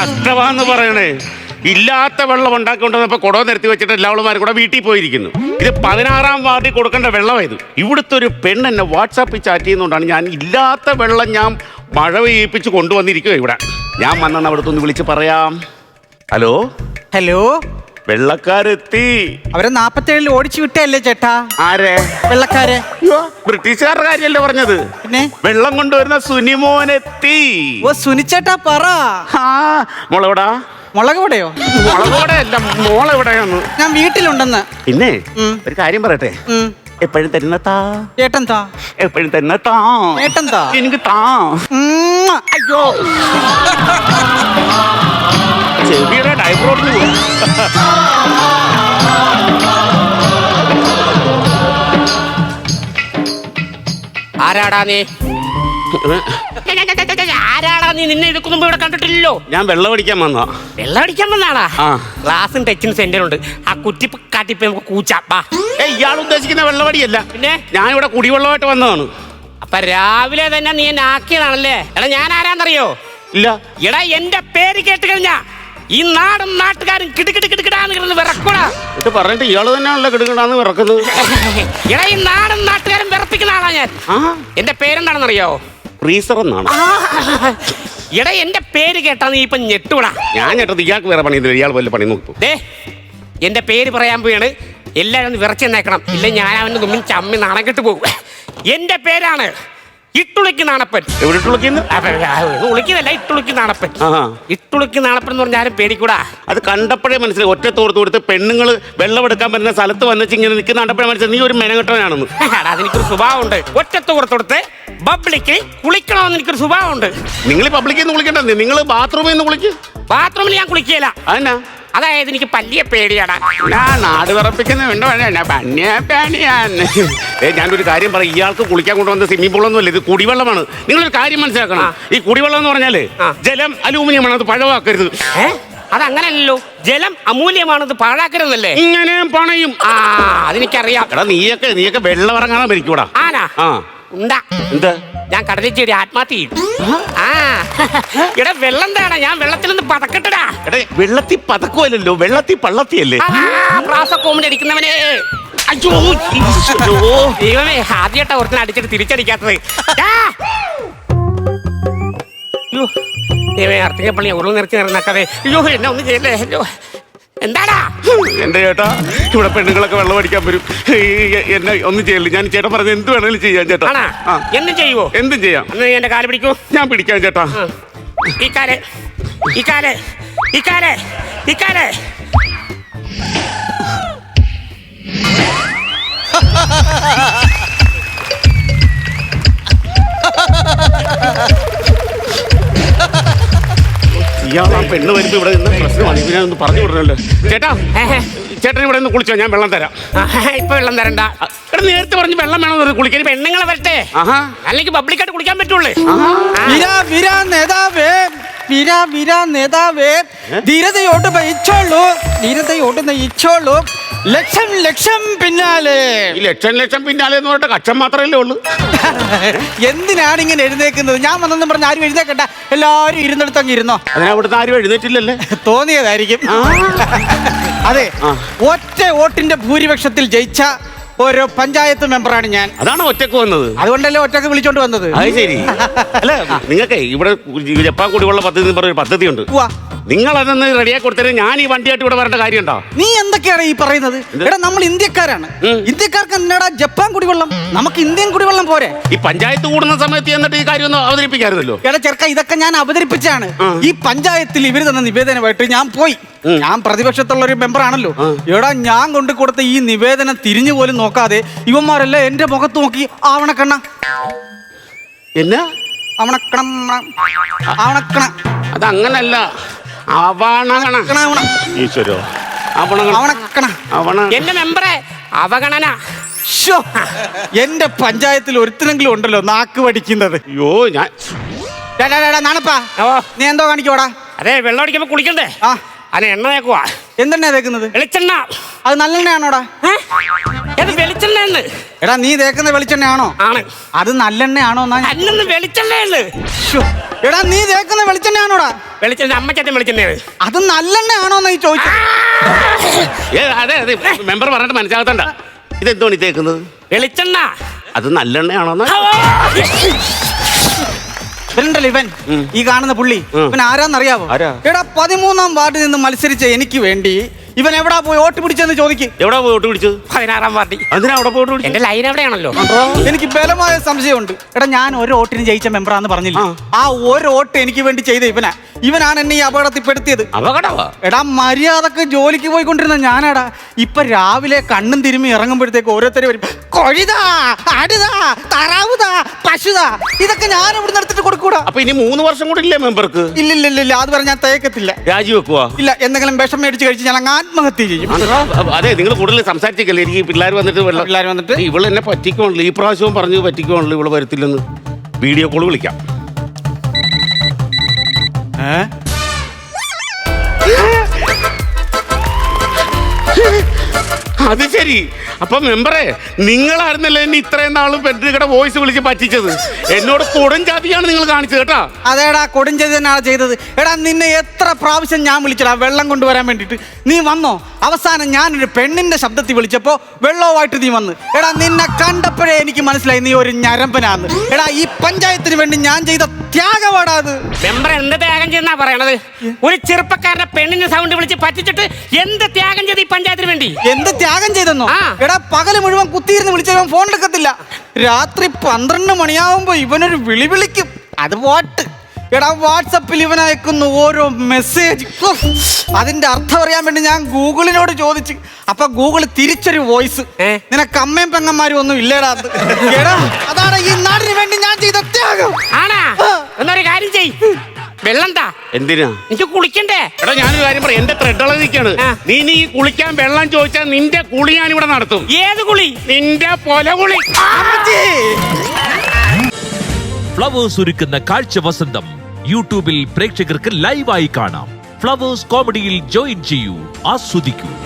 കഷ്ടമാന്ന് പറയണേ. ഇല്ലാത്ത വെള്ളം ഉണ്ടാക്കിക്കൊണ്ടുവന്നപ്പോ കുടവ് നിരത്തി വെച്ചിട്ട് എല്ലാവളുമാരും കൂടെ വീട്ടിൽ പോയിരിക്കുന്നു. ഇത് 16-ാം വാർഡിൽ കൊടുക്കേണ്ട വെള്ളമായത്. ഇവിടുത്തെ ഒരു പെണ്ണ് എന്നെ വാട്സാപ്പിൽ ചാറ്റ് ചെയ്യുന്നതുകൊണ്ടാണ് ഞാൻ ഇല്ലാത്ത വെള്ളം ഞാൻ മഴ പെയ്യിപ്പിച്ച് കൊണ്ടുവന്നിരിക്കുക ഇവിടെ. ഞാൻ വന്നെന്ന് അവിടുത്തെ ഒന്ന് വിളിച്ച് പറയാം. ഹലോ ഹലോ, വെള്ളക്കാരെത്തി. അവരെ 47 ഓടിച്ചു വിട്ടല്ലേ ചേട്ടാ? ആരെ? വെള്ളക്കാരെ. ബ്രിട്ടീഷുകാരുടെ കാര്യല്ലേ പറഞ്ഞത്? പിന്നെ വെള്ളം കൊണ്ടുവരുന്ന സുനിമോനെത്തി. ഓ സുനിച്ചേട്ടാ പറ. മോളെവിടാ? മുളക് പൊടിയോ? മുളകോടെ അല്ല, മോളെവിടെയാന്ന്. ഞാൻ വീട്ടിലുണ്ടെന്ന്. പിന്നെ ഒരു കാര്യം പറയട്ടെ, എപ്പോഴും തരുന്ന താ. ചേട്ടൻ താ. എപ്പോഴും തരുന്ന താ. ചേട്ടൻ താ. എനിക്ക് താ. അയ്യോ, ചെവിയുടെ ഡൈബ്രോഡിന് പോയി. ആരാടാ നീ? ആരാടാ നീ? നിന്നെ ഇതൊക്കെ മുമ്പ് ഇവിടെ കണ്ടിട്ടില്ലല്ലോ. ഞാൻ വെള്ളം അടിക്കാൻ വന്നാ. വെള്ളം അടിക്കാൻ വന്നാടാ? ആ. ക്ലാസ്സും ടച്ചിങ് സെന്ററുണ്ട്. ആ കുറ്റിപ്പ് കാട്ടിപ്പ് നമുക്ക് കൂച്ചാപ്പാ. ഇയാൾ ഉദ്ദേശിക്കുന്ന വെള്ളമടിയല്ല. പിന്നെ ഞാൻ ഇവിടെ കുടിവെള്ളമായിട്ട് വന്നതാണ്. അപ്പൊ രാവിലെ തന്നെ നീ എന്നെ ആക്കിയതാണല്ലേ? എടാ ഞാൻ ആരാന്നറിയോ? ഇല്ല. എടാ എന്റെ പേര് കേട്ട് കഴിഞ്ഞാ ഈ നാടും നാട്ടുകാരും കിടുകിടുകിടുകിടാന്ന് കിടന്ന് വിറക്കൂടാ. ഇത് പറഞ്ഞിട്ട് ഇയാള് തന്നെയാണല്ലോ കിടുകിടാന്ന് വിറക്കുന്നത്. എടാ ഈ നാടും നാട്ടുകാരും വിറപ്പിക്കുന്ന ആളാ ഞാൻ. എന്റെ പേരെന്താണെന്നറിയോ? ഫ്രീസർ എന്നാണ്. എടാ എന്റെ പേര് കേട്ടാ നീ ഇപ്പൊ ഞെട്ടൂടാ. ഞാൻ ഞെട്ടത് ഇയാൾക്ക് വേറെ പണി. ഇയാൾ വല്ല പണി നോക്കും. എന്റെ പേര് പറയാൻ പോയാണ്. എല്ലാരും ഒന്ന് വിറച്ചെന്നേക്കണം, ഇല്ല ഞാൻ അവന്റെ മുമ്പിൽ ചമ്മി നാണം കെട്ട് പോകും. എന്റെ പേരാണ് ഇട്ടുളുക്കി നാണപ്പൻ. ഉളിക്കുന്നല്ല, ഇട്ടുളുക്കി നാണപ്പൻ. ഇട്ടുളുക്കി നാണപ്പൻ എന്ന് പറഞ്ഞ ആരും പേടിക്കൂടാ. അത് കണ്ടപ്പോഴേ മനസ്സിലായി. ഒറ്റത്തോടത്ത് കൊടുത്ത് പെണ്ണുങ്ങൾ വെള്ളമെടുക്കാൻ പറ്റുന്ന സ്ഥലത്ത് വന്നിച്ച് ഇങ്ങനെ നിൽക്കുന്ന കണ്ടപ്പോഴേ മനസ്സിലായി നീ ഒരു മെനകെട്ടവനാണെന്ന്. അതെനിക്കൊരു സ്വഭാവമുണ്ട്. ഒറ്റത്തോടത്ത് പബ്ലിക്ക് കുളിക്കണമെന്ന് എനിക്കൊരു സ്വഭാവമുണ്ട്. നിങ്ങൾ പബ്ലിക്കിൽ നിന്ന് കുളിക്കണ്ടേ? നിങ്ങൾ ബാത്റൂമിൽ നിന്ന് കുളിക്കും. ബാത്റൂമിൽ ഞാൻ കുളിക്കുകയില്ല. അതെന്നാ? അതായത് എനിക്ക് പല്ലിയ പേടിയാടാ. ഞാൻ നാട് വിറപ്പിക്കുന്ന വേണ്ട. ഞാനൊരു കാര്യം പറയാം. ഇയാൾക്ക് കുളിക്കാൻ കൊണ്ടുവന്ന സ്വിമ്മിംഗ് പൂളൊന്നും അല്ല, ഇത് കുടിവെള്ളമാണ്. നിങ്ങളൊരു കാര്യം മനസ്സിലാക്കണം. ഈ കുടിവെള്ളം എന്ന് പറഞ്ഞാല് ജലം അലൂമിനിയമാണ്, അത് പഴവാക്കരുത്. അതങ്ങനല്ലോ, ജലം അമൂല്യമാണത് പാഴാക്കരുതല്ലേ? ഇങ്ങനെ പണയും. അതെനിക്കറിയാം. എടാ നീയൊക്കെ വെള്ളം ഇറങ്ങാൻ ഭരിക്കൂടാ. ആനാ ഉണ്ടാ. എന്താ? ഞാൻ കടലിൽ ചെടി ആത്മഹത്യ ചെയ്യും. ഇവിടെ വെള്ളം താടാ, ഞാൻ വെള്ളത്തിൽ നിന്ന് പതക്കട്ടടാ. എടേ വെള്ളത്തിൽ പതക്കുമല്ലോ, വെള്ളത്തിൽ പള്ളത്തിയല്ലേ? പ്രാസക്കോമിന്റെ അടിക്കുന്നവനെ. അയ്യോ ദൈവമേ, ആദ്യമായിട്ടാ ഒരുത്തനെ അടിച്ചിട്ട് തിരിച്ചടിക്കാത്തത്. ദൈവമേ, അർത്തികപ്പള്ളി ഉരുൾ നിറച്ച് നിറഞ്ഞാക്കതെ. അയ്യോ എന്നെ ഒന്നും ചെയ്യല്ലേ. അയ്യോ എന്താടാ? എന്റെ ചേട്ടാ, ഇവിടെ പെണ്ണുങ്ങളൊക്കെ വെള്ളം അടിക്കാൻ വരും. എന്നെ ഒന്നും ചെയ്യല്ലേ. ഞാൻ ചേട്ടൻ പറഞ്ഞത് എന്ത് വേണേലും ചെയ്യാം ചേട്ടാ. എന്തും ചെയ്യുവോ? എന്തും ചെയ്യാം. എന്റെ കാല് പിടിക്കൂ. ഞാൻ പിടിക്കാം ചേട്ടാ. ഈ കാല്, ഈ കാല്, ഈ കാല്, ഈ കാല്. ഇയാൾ ആ പെണ്ണ് വരുമ്പോ ഇവിടെ നിന്ന് പ്രശ്നമാണ്. ഇതിനൊന്ന് പറഞ്ഞു വിടണല്ലോ. ചേട്ടാ, ചേട്ടൻ ഇവിടെ നിന്ന് കുളിച്ചോ, ഞാൻ വെള്ളം തരാം. ഇപ്പൊ വെള്ളം തരണ്ട. നേരത്തെ പറഞ്ഞ് വെള്ളം വേണമെന്ന് കുളിക്കാൻ. പെണ്ണുങ്ങളെ വരട്ടെ, അല്ലെങ്കിൽ പബ്ലിക്കായിട്ട് കുളിക്കാൻ പറ്റുള്ളൂ. ധീരതയോട് നയിച്ചോളൂ, ധീരതയോട് നയിച്ചോളൂ. ലക്ഷം ലക്ഷം പിന്നാലെ. ഈ ലക്ഷം പിന്നാലെ എന്ന് പറഞ്ഞിട്ട് കക്ഷം മാത്രമല്ലേ ഉള്ളൂ. എന്തിനാണ് ഇങ്ങനെ എഴുന്നേക്കുന്നത്? ഞാൻ വന്നെന്നും പറഞ്ഞ ആരും എഴുന്നേക്കണ്ട, എല്ലാരും ഇരുന്നിടത്തങ്ങ് ഇരുന്നോ. അതിനവിടുന്ന് ആരും എഴുന്നേറ്റില്ലല്ലേ? തോന്നിയതായിരിക്കും. അതെ, ഒറ്റ വോട്ടിന്റെ ഭൂരിപക്ഷത്തിൽ ജയിച്ച ഒരു പഞ്ചായത്ത് മെമ്പറാണ് ഞാൻ. അതാണ് ഒറ്റക്ക് വന്നത്. അതുകൊണ്ടല്ലേ ഒറ്റക്ക് വിളിച്ചോണ്ട് വന്നത്. അത് ശരി. അല്ല, നിങ്ങൾക്ക് ഇവിടെ ജപ്പാൻ കുടിവെള്ള പദ്ധതി എന്ന് പറഞ്ഞൊരു പദ്ധതിയുണ്ട്. നിങ്ങൾ അതൊന്ന് റെഡിയാക്കി കൊടുത്തത് ഞാൻ ഈ വണ്ടിയായിട്ട് ഇവിടെ വരേണ്ട കാര്യമുണ്ടോ? നീ എന്തൊക്കെയാണ് ഈ പറയുന്നത്? എടാ, നമ്മൾ ഇന്ത്യക്കാരാണ്. ഇന്ത്യക്കാർക്ക് എന്നാടാ ജപ്പാൻ കുടിവെള്ളം? നമുക്ക് ഇന്ത്യൻ കുടിവെള്ളം പോരെ? ഈ പഞ്ചായത്ത് കൂടുന്ന സമയത്ത് എന്നിട്ട് ഈ കാര്യം ഒന്ന് അവതരിപ്പിക്കാറുണ്ടല്ലോ. എടാ ചെറുക്ക, ഇതൊക്കെ ഞാൻ അവതരിപ്പിച്ചാണ്. ഈ പഞ്ചായത്തിൽ ഇവര് തന്ന നിവേദനമായിട്ട് ഞാൻ പോയി. ഞാൻ പ്രതിപക്ഷത്തുള്ള ഒരു മെമ്പറാണല്ലോ. എടാ, ഞാൻ കൊണ്ടു കൊടുത്ത ഈ നിവേദനം തിരിഞ്ഞു പോലും നോക്കാതെ ഇവന്മാരല്ല എന്റെ മുഖത്ത് നോക്കി ആവണക്കണ്ണ എന്നാ അവണക്കണം ആവണക്കണ. അതങ്ങനല്ല, ഈശ്വരോ, എന്റെ മെമ്പറെ അവഗണന. എന്റെ പഞ്ചായത്തിൽ ഒരുത്തിനെങ്കിലും ഉണ്ടല്ലോ നാക്ക് പഠിക്കുന്നത്. അയ്യോ, ഞാൻ നാണപ്പാ, നീ എന്തോ കാണിക്കോടാ? അതെ, വെള്ളം അടിക്കുമ്പോ കുളിക്കണ്ടേ? അതിന് എണ്ണ തേക്കുവാ. എന്തെണ്ണ തേക്കുന്നത്? വെളിച്ചെണ്ണ. അത് നല്ലെണ്ണയാണോടാ? വെളിച്ചെണ്ണ. എടാ, നീ തേക്കുന്ന വെളിച്ചെണ്ണയാണോ? ആണ്. അത് നല്ലെണ്ണയാണോ? വെളിച്ചെണ്ണ. എടാ, നീ തേക്കുന്ന വെളിച്ചെണ്ണയാണോടാ? വെളിച്ചെണ്ണ അമ്മച്ചേട്ടൻ വെളിച്ചെണ്ണയാണ്. അത് നല്ലെണ്ണയാണോന്ന് ഈ ചോദിച്ചത്. അതെ അതെ, മെമ്പർ പറഞ്ഞിട്ട് മനസ്സിലാകത്തണ്ട. ഇതെന്തോണി തേക്കുന്നത്? വെളിച്ചെണ്ണ. അത് നല്ലെണ്ണയാണോന്ന്? ഇവനുണ്ടല്ലോ ഇവൻ, ഈ കാണുന്ന പുള്ളി, ഇവൻ ആരാന്നറിയാവോ? ആരാ? എടാ 13ാം വാർഡിൽ നിന്ന് മത്സരിച്ച എനിക്ക് വേണ്ടി ഇവൻ എവിടാ പോയി വോട്ട് പിടിച്ചെന്ന് ചോദിക്കും. എവിടെ പോയി വോട്ട് പിടിച്ചത്? 16ാം വാർഡിൽ. അതിനാ അവിടെ പോയിട്ട് പിടിച്ചത്? എന്റെ ലൈൻ എവിടെയാണല്ലോ. എനിക്ക് ബലമായ സംശയമുണ്ട്. എടാ ഞാൻ ഒരു വോട്ടിന് ജയിച്ച മെമ്പറാന്ന് പറഞ്ഞില്ല, ആ ഒരു വോട്ട് എനിക്ക് വേണ്ടി ചെയ്ത ഇവനാണ് എന്നെ ഈ അപകടത്തിൽപ്പെടുത്തിയത്. അപകടവാ? എടാ മര്യാദക്ക് ജോലിക്ക് പോയിക്കൊണ്ടിരുന്ന ഞാനാടാ ഇപ്പൊ രാവിലെ കണ്ണും തിരുമ്മി ഇറങ്ങുമ്പോഴത്തേക്ക് ഓരോരുത്തരും വരും, കൊഴിതാ, ആടുതാ, താറാവുതാ, പശുതാ, ഇതൊക്കെ ഞാൻ ഇവിടെ എടുത്തിട്ട് കൊടുക്കൂടാ. അപ്പൊ ഇനി 3 വർഷം കൂടെ ഇല്ലേ മെമ്പർക്ക്? ഇല്ലില്ലില്ല, അത് പറഞ്ഞാൽ ഞാൻ തേക്കത്തില്ല. രാജിവെക്കുവാ? ഇല്ല, എന്തെങ്കിലും വിഷം മേടിച്ച് കഴിച്ച് ഞാൻ ആത്മഹത്യ ചെയ്യും. അതെ, നിങ്ങൾ കൂടുതൽ സംസാരിച്ചേക്കല്ലേ. എനിക്ക് പിള്ളേർ വന്നിട്ട് ഇവള് എന്നെ പറ്റിക്കോണല്ലോ. ഈ പ്രാവശ്യവും പറഞ്ഞു പറ്റിക്കോണല്ലോ, ഇവള് വരത്തില്ലെന്ന്. വീഡിയോ കോൾ വിളിക്കാം. അത് ശരി. അപ്പൊ മെമ്പറെ, നിങ്ങളായിരുന്നല്ലേ എന്നെ ഇത്രയും നാളും പെൺകുട്ടിയുടെ വോയിസ് വിളിച്ച് പറ്റിച്ചത്. എന്നോട് കൊടും ജാതിയാണ് നിങ്ങൾ കാണിച്ചത് കേട്ടാ. അതേടാ, കൊടും ജാതി തന്നെയാണ് ചെയ്തത്. എടാ നിന്നെ എത്ര പ്രാവശ്യം ഞാൻ വിളിച്ചടാ വെള്ളം കൊണ്ടുവരാൻ വേണ്ടിട്ട്, നീ വന്നോ? അവസാനം ഞാനൊരു പെണ്ണിന്റെ ശബ്ദത്തിൽ വിളിച്ചപ്പോ വെള്ളവുമായിട്ട് നീ വന്ന്. എടാ നിന്നെ കണ്ടപ്പോഴേ എനിക്ക് മനസ്സിലായി നീ ഒരു ഞരമ്പനാന്ന്. എടാ ഈ പഞ്ചായത്തിന് വേണ്ടി ഞാൻ ചെയ്ത ത്യാഗമാടാ അത്. മെമ്പർ എന്ത് ത്യാഗം ചെയ്യുന്നാ പറയണത്? ഒരു ചെറുപ്പക്കാരന്റെ പെണ്ണിന്റെ സൗണ്ട് വിളിച്ച് പറ്റിച്ചിട്ട് എന്ത് ത്യാഗം ചെയ്ത് ഈ പഞ്ചായത്തിന് വേണ്ടി? എന്ത് ത്യാഗം ചെയ്തെന്നോ? ആ. എടാ പകല് മുഴുവൻ കുത്തിയിരുന്ന് വിളിച്ചവൻ ഫോൺ എടുക്കത്തില്ല. രാത്രി 12 മണിയാവുമ്പോ ഇവനൊരു വിളി വിളിക്കും, അത് വോട്ട്. എടാ വാട്സപ്പിൽ ഇവൻ അയക്കുന്ന ഓരോ മെസ്സേജ്, അതിന്റെ അർത്ഥം അറിയാൻ വേണ്ടി ഞാൻ ഗൂഗിളിനോട് ചോദിച്ചു. അപ്പൊ ഗൂഗിൾ തിരിച്ചൊരു വോയിസ്, നിനക്ക് അമ്മയും പെങ്ങന്മാരും ഒന്നും ഇല്ലേടാ. എടാ അതാണ് ഈ നാടിന് വേണ്ടി ഞാൻ ചെയ്ത ത്യാഗം. ആണാ? എന്നൊരു കാര്യം ചെയ്, വെള്ളം താ. എന്തിനാ? എനിക്ക് കുളിക്കണ്ടേ? എടാ ഞാനൊരു കാര്യം പറയാം, എന്റെ ത്രെഡുള്ള നിൽക്കാണ്. നീ കുളിക്കാൻ വെള്ളം ചോദിച്ചാൽ നിന്റെ കുളി ഞാൻ ഇവിടെ നടത്തും. ഏത് കുളി? നിന്റെ പൊല കുളി. ഫ്ലവേഴ്സ് ഒരുക്കുന്ന കാഴ്ച വസന്തം യൂട്യൂബിൽ പ്രേക്ഷകർക്ക് ലൈവായി കാണാം. ഫ്ലവേഴ്സ് കോമഡിയിൽ ജോയിൻ ചെയ്യൂ, ആസ്വദിക്കൂ.